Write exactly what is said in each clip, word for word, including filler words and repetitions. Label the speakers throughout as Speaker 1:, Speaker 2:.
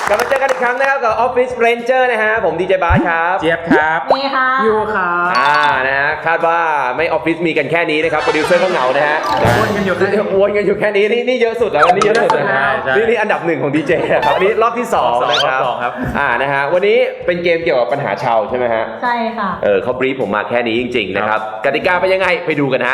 Speaker 1: กลับมาเจอกันอีกครั้งนะครับกับ Office Ranger นะฮะผมดีเจบาสครับ
Speaker 2: เจี๊ยบครับ
Speaker 3: นี่ค่ะ
Speaker 2: ยูครับ
Speaker 1: อ่านะฮะคาดว่าไม่ออฟฟิศมีกันแค่นี้นะครับโปรดิวเซอร์ก็เหงานะฮะ
Speaker 2: วนกันอยู่แค่นี้
Speaker 1: วนกันอยู่แค่นี้นี่นี่เยอะสุดแล้วนี่เยอะสุดนะฮะนี่นี่อันดับหนึ่งของดีเจครับอันนี้รอบที่สองนะครับอ่านะฮะวันนี้เป็นเกมเกี่ยวกับปัญหาชาวใช่ไหมฮะ
Speaker 3: ใช่ค่ะ
Speaker 1: เออเขาบรีฟผมมาแค่นี้จริงๆนะครับกติกาเป็นยังไงไปดูกันฮะ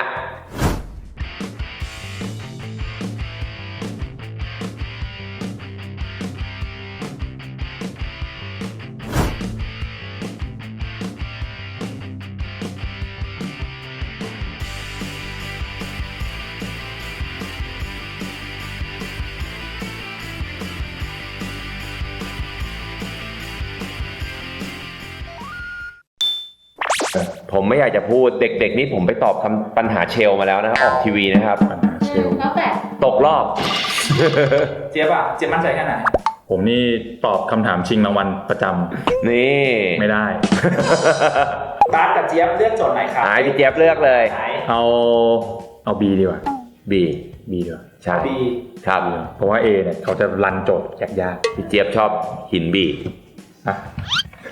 Speaker 1: ผมไม่อยากจะพูดเด็กๆนี่ผมไปตอบคำปัญหาเชลมาแล้วนะครับออกทีวีนะครับ
Speaker 2: ปัญหาเชล
Speaker 3: แล้วแต่
Speaker 1: ตกรอบ
Speaker 4: เจี๊ยบอะเจี๊ยบมั่นใจแค่ไหน
Speaker 2: ผมนี่ตอบคำถามชิงรางวัลประจำ
Speaker 1: นี่
Speaker 2: ไม่ได้
Speaker 4: บาสกับเจี๊ยบเลือกโจทย์ไหนครับ
Speaker 1: ไอ้พี่เจี๊ยบเลือกเลย
Speaker 2: เอาเอา B ดีกว่า
Speaker 1: B
Speaker 2: B ดีกว่า
Speaker 1: ใช่
Speaker 4: B
Speaker 1: ครับ
Speaker 2: เพราะว่า A เนี่ยเขาจะรันโจทย์ยาก
Speaker 1: ๆพี่เจี๊ยบชอบหิน B
Speaker 2: อ่ะ
Speaker 1: ไป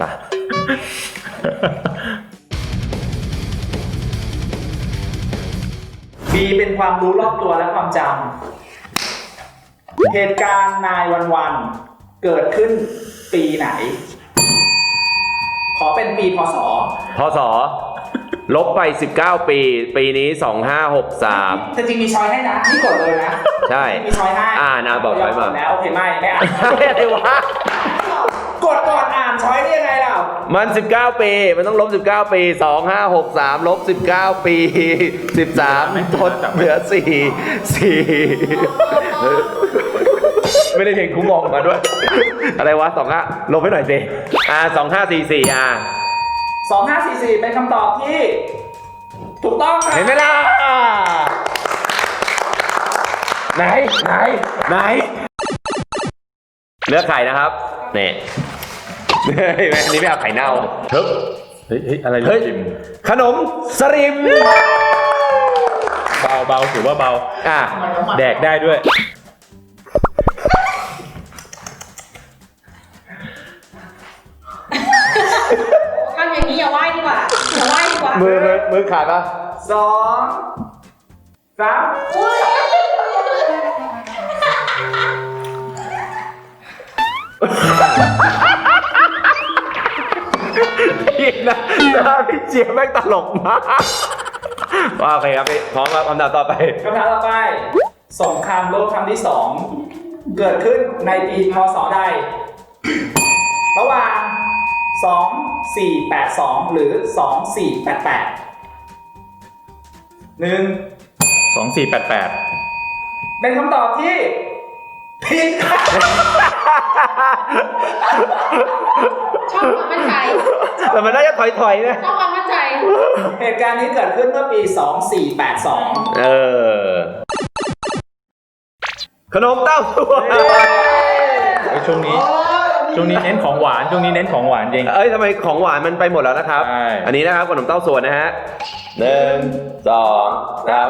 Speaker 4: บีเป็นความรู้รอบตัวและความจำเหตุการณ์นายวันวันเกิดขึ้นปีไหนขอเป็นปีพศ
Speaker 1: พศลบไปสิบเก้าปีปีนี้สองห้าหกสาม
Speaker 4: จริงๆมีช้อยให้นะนี่กดเลยนะ
Speaker 1: ใช่
Speaker 4: มีช้อยให้
Speaker 1: อ่านะบอกช้อยมา
Speaker 4: แล้วโอเคไม่ไม่อ่าน
Speaker 1: อะไรวะ
Speaker 4: กดก่อนอ่านช้อยนี่ยังไงล่ะ
Speaker 1: มันสิบเก้าปีมันต้องลบสิบเก้าปีสองห้าหกสามลบสิบเก้าปีสิบสามทดเหลือสี่สี่ไม่ได้เพลงคุ้มมองมาด้วยอะไรวะสองห้าลบให้หน่อยสิอ่าสองห้าสี่สี่อ่า
Speaker 4: สองห้าสี่สี่เป็นคำตอบที่ถูกต้องครับ
Speaker 1: เห็นไหมล่ะไหนไหนไหนเลือกไข่นะครับนี่เฮ้ยอันนี้ไม่เอาไข่เน่าเฮ้ย
Speaker 2: เฮ้ยอะไร
Speaker 1: เฮ้ยขนมสลิม
Speaker 2: เบาเบาถือว่าเบา
Speaker 1: อ่ะ
Speaker 2: แดกได้ด้วย
Speaker 3: ทำอย่างนี้อย่าไหว้ดีกว่าอย่าไหว้ดีกว่า
Speaker 1: มือมือมือขาดปะ
Speaker 4: สองสาม
Speaker 1: พี่นะพี่เจี๊ยบแม่งตลกมากว่าโอเคครับพี่พร้อมครับคำถามต่อไป
Speaker 4: คำถามต่อไปสงครามโลกครั้งที่สองเกิดขึ้นในปีพ.ศ. ใดระหว่างสองสี่แปดสองหรือสองสี่แปดแปดหนึ่ง
Speaker 2: สองสี่แปดแปด
Speaker 4: เป็นคำตอบที่ผิดครับ
Speaker 3: ชอบความมั่นใจ
Speaker 1: แต่มันน่าจะถอยๆนะ
Speaker 3: ชอบความมั่นใจ
Speaker 4: เหตุการณ์นี้เกิดขึ้นเมื่อปีสองสี่แปดสอง
Speaker 1: เออขนมเต้าส่วน
Speaker 2: ช่วงนี้ช่วงนี้เน้นของหวานช่วงนี้เน้นของหวานจริง
Speaker 1: เอ้ยทำไมของหวานมันไปหมดแล้วนะครับอันนี้นะครับขนมเต้าส่วนนะฮะหนึ่งสองสาม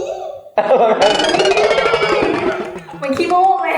Speaker 3: มันขี้โม้เลย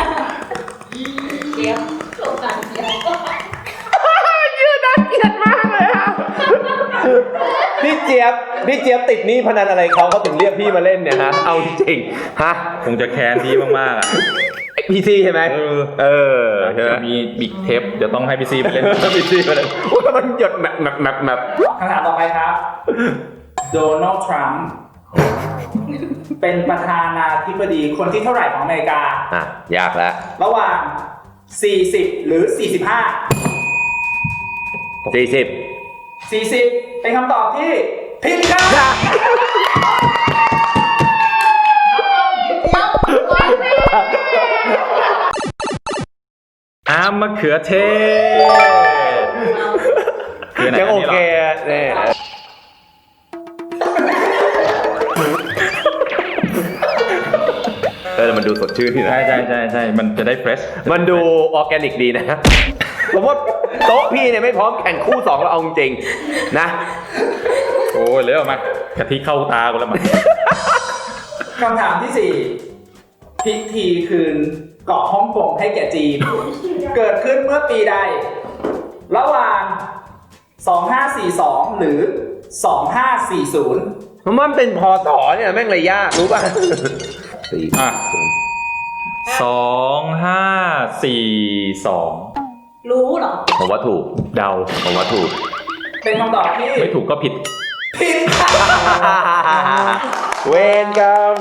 Speaker 3: เจี๊ยบสงสารเจี๊ยบ
Speaker 1: ยืดน่าเกลียดมากเลยค่ะพี่เจี๊ยบพี่เจี๊ยบติดหนี้พนันอะไรเขาเขาถึงเรียกพี่มาเล่นเนี่ยฮะเอาจริงฮะ
Speaker 2: คงจะแค้นพี่มากๆอ่ะ
Speaker 1: พี่ซีใช่ไหมเออ
Speaker 2: จะมีบิ๊กเทปเดี๋ยวต้องให้พี่ซีไปเล่น
Speaker 1: พี่ซีมาเล่นโอ้ยมันหยดแมปแมปแมปแมป
Speaker 4: คำถามต่อไปครับโดนัลด์ทรัมป์เป็นประธานาธิบดีคนที่เท่าไหร่ของอเมริกา
Speaker 1: อ่ะยากแล้ว
Speaker 4: ระหว่างสี่สิบหรือสี่สิบห้า
Speaker 1: สี่สิบ
Speaker 4: สี่สิบเป็นคำตอบที่ผิดครับ
Speaker 2: อามมะเขือเทศ
Speaker 1: ยังโอเคเนี่ยเออมันดูสดชื่นที่นะ
Speaker 2: ใช่ใช่ใช่ใช่มันจะได้เฟรช
Speaker 1: มันดูออร์แกนิกดีนะผมว่าโต๊ะพี่เนี่ยไม่พร้อมแข่งคู่สองเราเอาจริงนะ
Speaker 2: โอ้ยเลยออกมากะทิเข้าตากูแล้วมัน
Speaker 4: คำถามที่สี่พิธีคืนเกาะฮ่องกงให้แก่จีน เกิดขึ้นเมื่อปีใด ระหว่าง สองห้าสี่สอง หรือ สองห้าสี่ศูนย์
Speaker 1: มันเป็นพศเนี่ยแม่งเลยยากรู้ป่ะสี่
Speaker 2: อ่ะสองห้าสี่สอง
Speaker 3: รู้เหรอ
Speaker 1: ผมว่าถูก
Speaker 2: เดา
Speaker 1: ผมว่าถูก
Speaker 4: เป็นคำตอบที่
Speaker 2: ไม่ถูกก็ผิด
Speaker 4: ผิดค่ะ
Speaker 1: เวรกรรม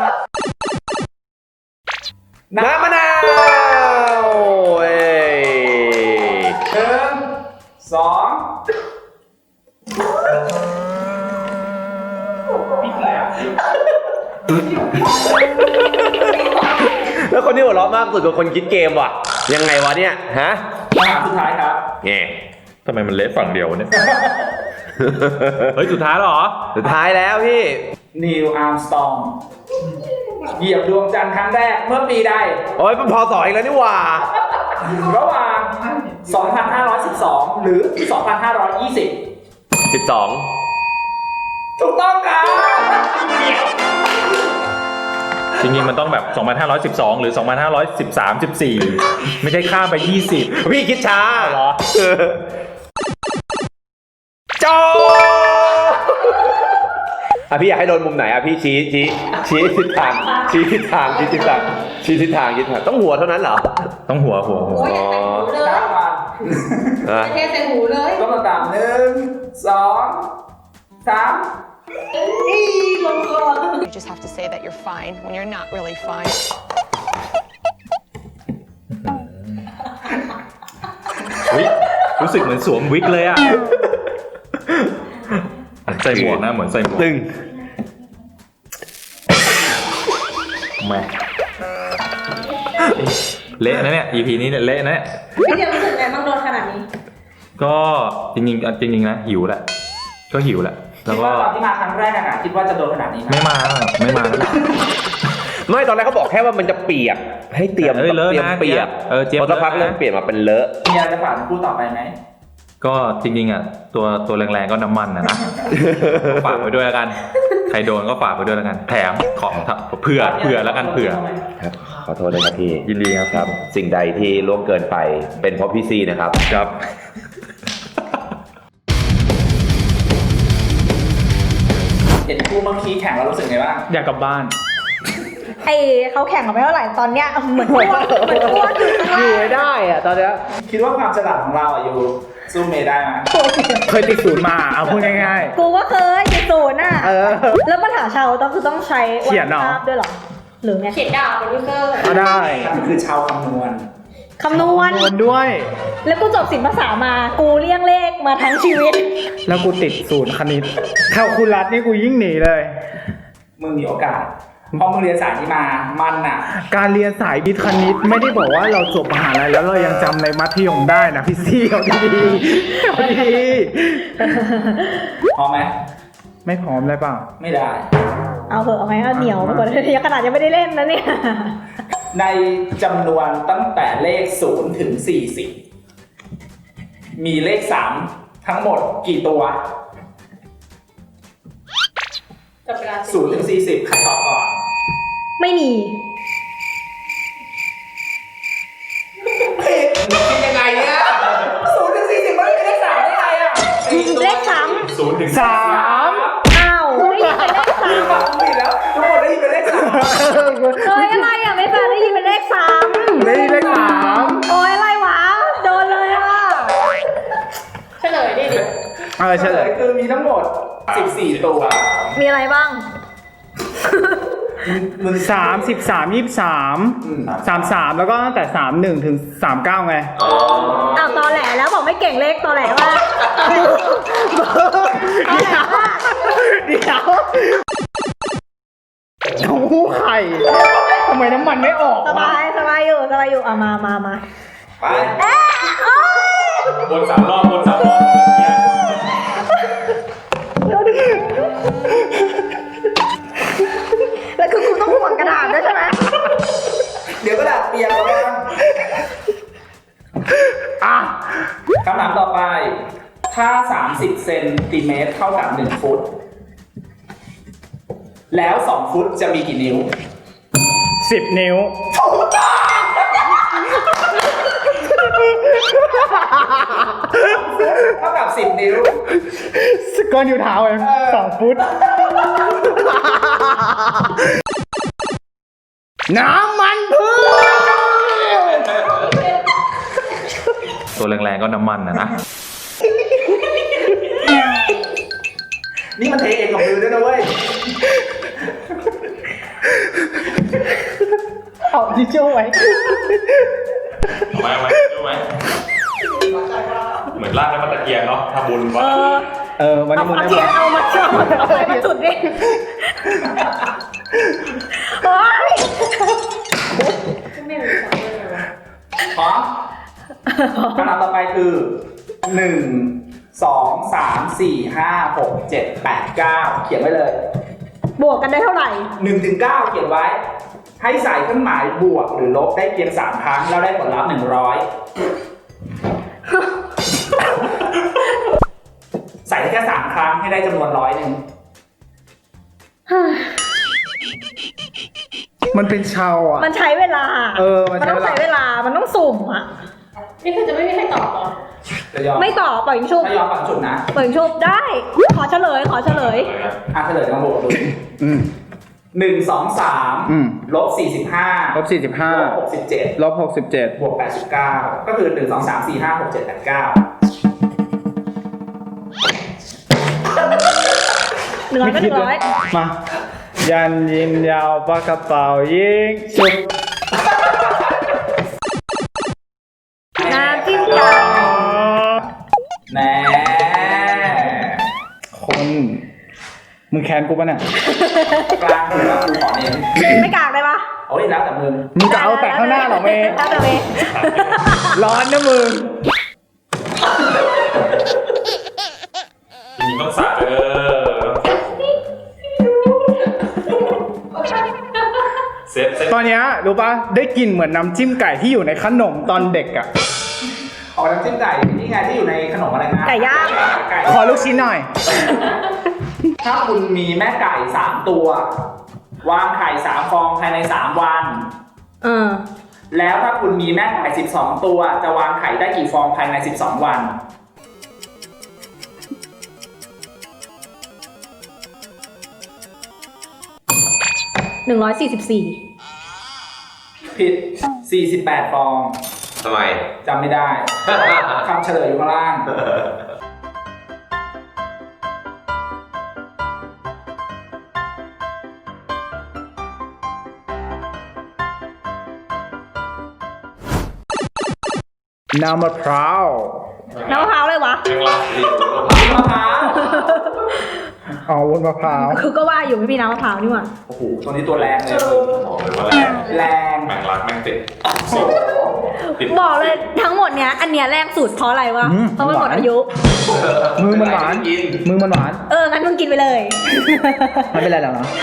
Speaker 1: น้ำมะนาวเอ้ย
Speaker 4: หนึ่งสองปิดแล้ว
Speaker 1: แล้วคนที่หัวเราะมากสุดคือคนคิดเกมว่ะ ยังไงวะเนี่ย ฮะ
Speaker 4: คำถามสุดท้ายครับ
Speaker 1: แง่
Speaker 2: ทำไมมันเละฝั่งเดียวเนี่ย เฮ้ย สุดท้ายแล้วเหรอ
Speaker 1: สุดท้ายแล้วพี่
Speaker 4: นิวอาร์มสตรองเหยียบดวงจันทร์ครั้งแรกเมื่อปีใด
Speaker 1: โอ้ยมันพอสออีกแล้วนี่หว่า
Speaker 4: ระหว่าง สองพันห้าร้อยสิบสอง หรือ สองพันห้าร้อยยี่สิบ
Speaker 1: สิบสอง
Speaker 4: ถูกต้องครับ
Speaker 2: จริงๆมันต้องแบบ สองพันห้าร้อยสิบสอง หรือ สองพันห้าร้อยสิบสาม สิบสี่ ไม่ใช่ข้ามไป ยี่สิบ
Speaker 1: พี่คิดช้า
Speaker 2: เหรอ
Speaker 1: โจอ่ะพี่อยากให้โดนมุมไหนอ่ะพี่ชี้ชี้ชี้ทิศทางชี้ทิศทางชี้ทิศทางชี้ทิศทางชี้ทิศทางต้องหัวเท่านั้นเหรอ
Speaker 2: ต้องหัวหัวหัว
Speaker 3: โอ้ยอย่าใส่หูเลย
Speaker 4: ครับมา
Speaker 1: อ่ะ
Speaker 3: เทใส่หูเลย
Speaker 4: ก็มาตามหนึ่งสองสาม
Speaker 3: อีลงคอ
Speaker 5: You just have to say that you're fine when you're not really fine.
Speaker 2: อุ๊ยรู้สึกเหมือนสวมวิกเลยอ่ะ ใส่หมวกนะเหมือนใส่หมวก
Speaker 1: ตึง
Speaker 2: แม่เละนะเนี่ย อี พี นี้เนี่ยเละนะเนี่ย
Speaker 3: พี่เดียวรู้สึกไงบ้างโดนขนาดนี้
Speaker 2: ก็จริงๆจริงๆนะหิวแหละ ก็หิวแหละ แล้
Speaker 4: คิ
Speaker 2: ว
Speaker 4: ด
Speaker 2: ก็
Speaker 4: ว่าตอนที่มาครั้งแรกอะคิดว่าจะโดนขนาดนี้ไหม
Speaker 2: ไม่มาไม่มาแล้ว
Speaker 1: ไม่ตอนแรกเขาบอกแค่ว่ามันจะเปียกให้เตรียม
Speaker 2: เอ้ยเลอะ
Speaker 1: เตรียม
Speaker 2: นะ
Speaker 1: เปียก
Speaker 2: เออเจี๊ยบ
Speaker 1: พอสักพัก
Speaker 2: เลอะนะ
Speaker 1: เริ่มเปลี่ยนมาเป็นเลอะ
Speaker 4: มีอะไรจะฝากถึงคู่ต่อไปไหม
Speaker 2: ก็จริงๆอ่ะตัวตัวแรงๆก็น้ำมันนะนะ ฝากไว้ด้วยแล้วกัน ใครโดนก็ฝากไว้ด้วยแล้วกัน แถมของเผื่อเผื่อแล้วกันเผื่อ
Speaker 1: ครับขอโทษด้วยครับพี่
Speaker 2: ยินดีครับ
Speaker 1: ครับ สิ่งใดที่ล่วงเกินไปเป็นเพราะพี่ซีนะครับ
Speaker 2: ครับ
Speaker 4: เห็นคู่เมื่อกี้แข่งแล้วรู้สึกไงบ้าง
Speaker 2: อยากกลับบ้าน
Speaker 3: ไอเขาแข่งกันไม่เท่าไหร่ตอนเนี้ยเหมือนอ้วนเหมือนอ้วนอยู่ข้าง
Speaker 1: อยู่
Speaker 3: ล่าง
Speaker 1: ไม่ได้อะตอนเนี้ย
Speaker 4: คิดว่าความฉลาดของเราอะอยู่สู้เมย์ได้ไหม
Speaker 2: เคยติดศูนย์มา เอาพูดง่าย
Speaker 3: กูก็เคยติดศูนย์น่ะ
Speaker 1: เออ
Speaker 3: แล้วปัญหาชาวต้องคือต้องใช้
Speaker 2: เขียนเหรอ
Speaker 3: วาดภาพด้วยเหรอ หรือไง เขียนดาวเป็นวิเซอร์
Speaker 2: ๆก็ได้
Speaker 4: นั่นคือชาวคำนวณ
Speaker 3: คำนวณ
Speaker 2: โดนด้วย
Speaker 3: แล้วกูจบศิลปภาษามา กูเลี่ยงเลขมาทั้งชีวิต
Speaker 6: แล้วกูติดศูนย์คณิตแคลคูลัสนี่กูยิ่งหนีเลย
Speaker 4: มึงมีโอกาสเพราะมึงเรียนสายนี้มามันอะ
Speaker 6: การเรียนสายวิทย์คณิตไม่ได้บอกว่าเราจบมหาลัยแล้วเรายังจำในมัธยมได้นะพี่ซี่เอาดีๆเอาดี
Speaker 4: พอไหม
Speaker 6: ๆไม่พร้อมเลยเปล่า
Speaker 4: ไม่ได้
Speaker 3: เอาเถอะเอาไหมเอาเหนียวไปก่อนยังขนาดยังไม่ได้เล่นนะเนี่ย
Speaker 4: ในจำนวนตั้งแต่เลขศูนย์ถึงสี่สิบมีเลขสามทั้งหมดกี่ตัวศูนย์ถึงสี่สิบใครตอบก่อน
Speaker 3: ไม่มี
Speaker 4: ผิดคิดยังไงเนี่ยศูนย์ถึงสี่สิบมันไม่มีเลขสามได้ไงอะ
Speaker 3: เลขสาม
Speaker 2: ศูนย์ถึง
Speaker 6: สาม
Speaker 3: อ้าวไม่ได้ยินเป็นเลขสาม
Speaker 4: ตอบผิดแล้วทุกคนได้ยินเป็นเลขสาม
Speaker 3: เฮ้ยอะไรอ่ะไม่ฟังได้ยินเป็นเลขสาม
Speaker 6: ไม่ได้เลขสาม
Speaker 3: โอ้ยอะไรวะ โดนเลยอ่ะเฉลยดิ
Speaker 6: เออเฉลย
Speaker 4: คือมีทั้งหมดสิบสี่ตัว
Speaker 3: มีอะไรบ้าง
Speaker 4: มึง
Speaker 6: สามสิบสามยี่สิบสาม
Speaker 4: อืม
Speaker 6: สามสามแล้วก็ตั้งแต่สามหนึ่งถึงสามเก้าไง
Speaker 3: อ้าวตอแหลแล้วบอกไม่เก่งเลขตอแหลว่าตอแหลว่า
Speaker 6: เดี๋ยวเต้าหู้ไข่ทำไมน้ำมันไม่ออก
Speaker 3: ส
Speaker 6: วะ
Speaker 3: บายสบายอยู่สบายอยู่อ่ะมามามา
Speaker 4: ไป
Speaker 3: เอ๊ะโอ๊ย
Speaker 2: วนสามรอบวนสามรอบ
Speaker 3: แล้วคือกูต้องห่วงกระดาษด้วยใช่ไหม
Speaker 4: เดี๋ยวกระดาษเปียกแล้วกัน
Speaker 6: อ่ะ
Speaker 4: คำถามต่อไป ถ้าสามสิบเซนติเมตรเท่ากับหนึ่งฟุต แล้วสองฟุตจะมีกี่นิ้ว
Speaker 6: สิบนิ้ว
Speaker 4: ถูกต้องเท่ากับสิบนิ้ว
Speaker 6: ก้อนอยู่เท้าเองสองฟุต น้ำมันพืช
Speaker 2: ตัวแรงๆก็น้ำมันนะนะ
Speaker 4: นี่มันเทเองกับมือด้วยนะเว้ย
Speaker 6: เอาทิชชู่ไว้
Speaker 2: เอาไว้เอาไว้ดูไหมเหมือนลากน้ำมันตะเกียงเนาะทำบุญ
Speaker 3: เอ
Speaker 2: วะ
Speaker 3: อ
Speaker 6: เออวัน
Speaker 3: เอา
Speaker 6: นี้มึง
Speaker 3: เอา
Speaker 6: ได้
Speaker 3: เทียน
Speaker 6: บอก
Speaker 3: เอามาเชื่อมเอาไปมาจุดดิโอ๊ย
Speaker 4: พร้อมคำถามต่อไปคือหนึ่งสองสามสี่ห้าหกเจ็ดแปดเก้าเขียนไว้เลย
Speaker 3: บวกกันได้เท่าไหร่
Speaker 4: หนึ่งถึงเก้าเขียนไว้ ให้ใส่เครื่องหมายบวกหรือลบได้เพียงสามครั้งแล้วได้ผลลัพธ์หนึ่งร้อยใส่ได้แค่สามครั้งให้ได้จำนวนร้อยหนึ่ง
Speaker 6: มันเป็นชาวอ่ะ
Speaker 3: มันใช้เวลา
Speaker 6: เออมัน
Speaker 3: มัน
Speaker 6: ใช้
Speaker 3: ต้อง
Speaker 6: เวลา
Speaker 3: ใช้เวลา มันต้องสุ่มอ่ะ
Speaker 7: นี่คือจะไม่มีใครตอบเหรอ
Speaker 4: จะยอม
Speaker 3: ไม่ต่อปล่อยยิงชุบ
Speaker 4: ถ้ายอมฝังจุดนะ
Speaker 3: ปล่อยยิงชุบได้ ขอเฉลย ขอเฉลย
Speaker 4: อ่ะเฉลยมาบวกดู
Speaker 6: อืม
Speaker 4: หนึ่งสองสาม
Speaker 6: อืม
Speaker 4: ลบสี่สิบห้า
Speaker 6: ลบสี่สิบห้า
Speaker 4: ลบหกสิบเจ็ด
Speaker 6: ลบหกสิบเจ็ด
Speaker 4: บวกแปดสิบเก้าก็คือหนึ่งสองสามสี่ห้าหกเจ็ดแปดเก้า
Speaker 3: หนึ่งร้อยก็หนึ่งร้อย
Speaker 6: มา ยันยินยาวปากกระเป๋ายิงชุบ
Speaker 3: น้ำจิ้มไก่
Speaker 4: แหน่
Speaker 6: คน มึงแค้นกูปะเนี่ย
Speaker 4: กลางหัวกูขอเน้น
Speaker 3: ไม่กากเลยปะ
Speaker 4: โอ้ยแล้วแต่มึง
Speaker 6: มึงจะเอาแต่ข้างหน้าเหรอเมย์
Speaker 3: แล้วแต่เมย์
Speaker 6: ร้อนนะมึง
Speaker 2: มีต้องสาเออเซฟเซฟ
Speaker 6: ตอนเนี้ยรู้ปะได้กลิ่นเหมือนน้ำจิ้มไก่ที่อยู่ในขนมตอนเด็กอ่ะ
Speaker 4: ออกน้ำจิ้มไก่นี่ไงที่อยู่ในขนมอะไรนะ
Speaker 3: ไก่ย่าง
Speaker 4: ไก่
Speaker 6: ขอลูกชิ้นหน่อย
Speaker 4: ถ้าคุณมีแม่ไก่สามตัว วางไข่สามฟองภายในสามวัน
Speaker 3: เออ
Speaker 4: แล้วถ้าคุณมีแม่ไก่สิบสองตัวจะวางไข่ได้กี่ฟองภายในสิบสองวัน
Speaker 3: หนึ่งร้อยสี่สิบสี่
Speaker 4: ผิดสี่สิบแปดฟอง
Speaker 1: ทำไม
Speaker 4: จำไม่ได้ คำเฉลยอยู่ข้างล่าง
Speaker 6: น้ำมะพร้าว
Speaker 3: น้ำมะพร้าวเลยวะ
Speaker 2: ยังรักอยู่
Speaker 4: มะพร้าว
Speaker 6: อ๋อวุ้นมะพร้าว
Speaker 3: คือก็ว่าอยู่ไม่มีน้ำมะพร้าวนี่หว่า
Speaker 4: โอ้โหตัวนี้ตัวแรงเลย
Speaker 2: บอกเลยว่าแรง
Speaker 4: แรง
Speaker 2: แม่งรักแม่งติด
Speaker 4: โอ้โห
Speaker 2: ติด
Speaker 3: บอกเลยทั้งหมดเนี้ย อันเนี้ยแรงสุดเพราะอะไรวะ เพราะมันหมดอายุ
Speaker 6: มือมันหวาน มือมันหวาน
Speaker 3: เออ งั้นมึงกินไปเลย
Speaker 6: ไม่เป็นไรหรอกเนาะ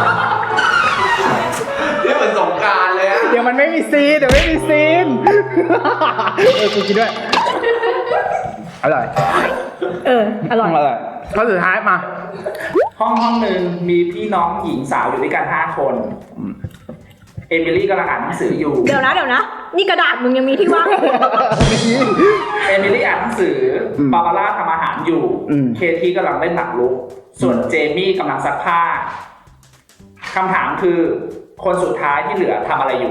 Speaker 1: นี่เหมือนสงกรารเลยอะ
Speaker 6: เดี๋ยวมันไม่มีซีนเดี๋ยวไม่มีซีน เออกูกินด้วย อร่อย
Speaker 3: เออ อร่อย
Speaker 6: อร่อยข้อสุดท้ายมา
Speaker 4: ห้องห้องหนึ่งมีพี่น้องหญิงสาวอยู่ด้วยกันห้าคน เอมิลี่กำลังอ่านหนังสืออยู่
Speaker 3: เดี๋ยวนะเดี๋ยวนะ นี่กระดาษมึงยังมีที่ว่างอยู่
Speaker 4: เอมิลี่อ่านหนังสืออ
Speaker 6: ม
Speaker 4: บาบาร่าทำอาหารอยู่
Speaker 6: อืม
Speaker 4: เคที่กำลังเล่นหมากรุก ส่วนเจมี่กำลังซักผ้า คำถามคือ คนสุดท้ายที่เหลือทำอะไรอยู่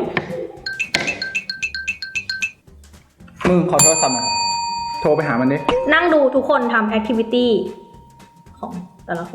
Speaker 6: มึงขอโทรศัพท์หน่อยโทรไปหามันดิ
Speaker 3: นั่งดูทุกคนทำแอคทิวิตี้ของแต่ละคน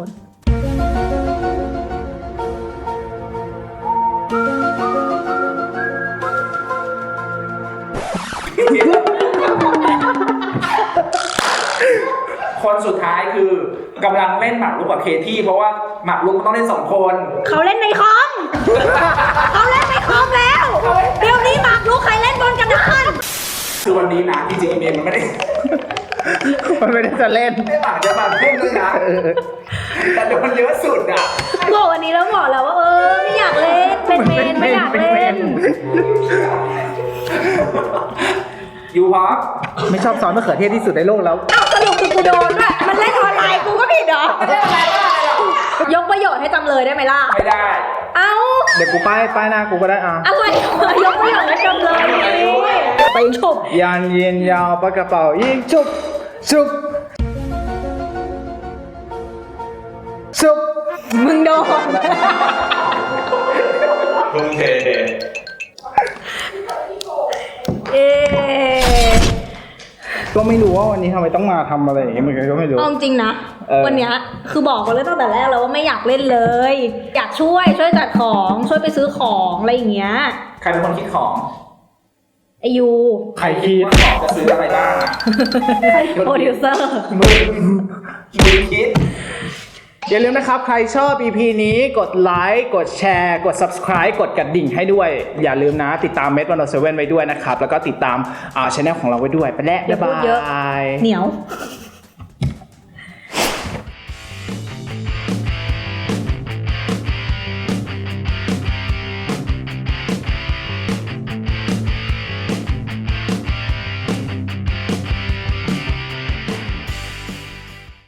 Speaker 4: คนสุดท้ายคือกำลังเล่นหมากรุกกับเคที่เพราะว่าหมากรุกมันต้องเล่นสองคน
Speaker 3: เขาเล่นในคอม เขาเล่นในคอมแล้ว เดี๋ยวนี้หมากรุกใครเล่นบนกระดาน
Speaker 4: คือวันนี้นะจริงๆเมย์มันไม่ได้
Speaker 6: มันไม่ได้จะเล่น
Speaker 4: ไม่หมากจะมาเล่นด้วยนะ แต่เดี๋ยวมันเยอะสุดอ่ะ
Speaker 3: บอกวันนี้แล้วบอกแล้วว่าเออไม่อยากเล่น เป็นเมนไม่อยากเล่น
Speaker 4: อยู่พร้อม
Speaker 6: ไม่ชอบซอสมะเขือเทศที่สุดในโลกแล้ว
Speaker 3: เอ้าสรุปคือกูโดนด้วย มันเล่นออนไลน์กูก็ผิดเหรอ
Speaker 4: ไม่ได้อะไรว่าอะไรหรอก
Speaker 3: ยกประโยชน์ให้จำเลยได้ไหมล่ะ
Speaker 4: ไม่ได้
Speaker 3: เอ้า
Speaker 6: เดี๋ยวกูป้ายป้ายหน้ากูก็ได้อ่ะ
Speaker 3: อะไรวะยกประโยชน์ให้จำเลยนี่ไปฉุบ
Speaker 6: ยันเย็นยาวปากกระเป๋ายิงชุบชุบชุบ
Speaker 3: มึงโดน
Speaker 2: ทุ่มเท
Speaker 3: เอ๊ะ
Speaker 6: ก็ไม่รู้ว่าวันนี้ทำไมต้องมาทำอะไรอย่างเงี้ยเหมือนกันก็ไม่รู้
Speaker 3: เอาจริงนะ
Speaker 6: เออ
Speaker 3: วันเนี้ยคือบอกกันเลยตั้งแต่แรกแล้วว่าไม่อยากเล่นเลย อยากช่วยช่วยจัดของช่วยไปซื้อของอะไรอย่างเงี้ย
Speaker 4: ใครเป็นคนคิดของ
Speaker 3: ไอยู
Speaker 6: ใครคิด
Speaker 4: ว่าของจะซื้ออะไรบ้างอะ
Speaker 3: โปรดิวเซอร์
Speaker 4: มึงมึงคิด
Speaker 6: อย่าลืมนะครับ ใครชอบ อี พี นี้กดไลค์กดแชร์กด subscribe กดกระดิ่งให้ด้วย อย่าลืมนะติดตามเมดวันโอเซเว่นไว้ด้วยนะครับ แล้วก็ติดตามอ่าช anel ของเราไว้ด้วย ไปแล้ว
Speaker 3: อย่า
Speaker 6: บ๊าย
Speaker 3: พูดเยอะ
Speaker 6: บาย
Speaker 3: เหนียว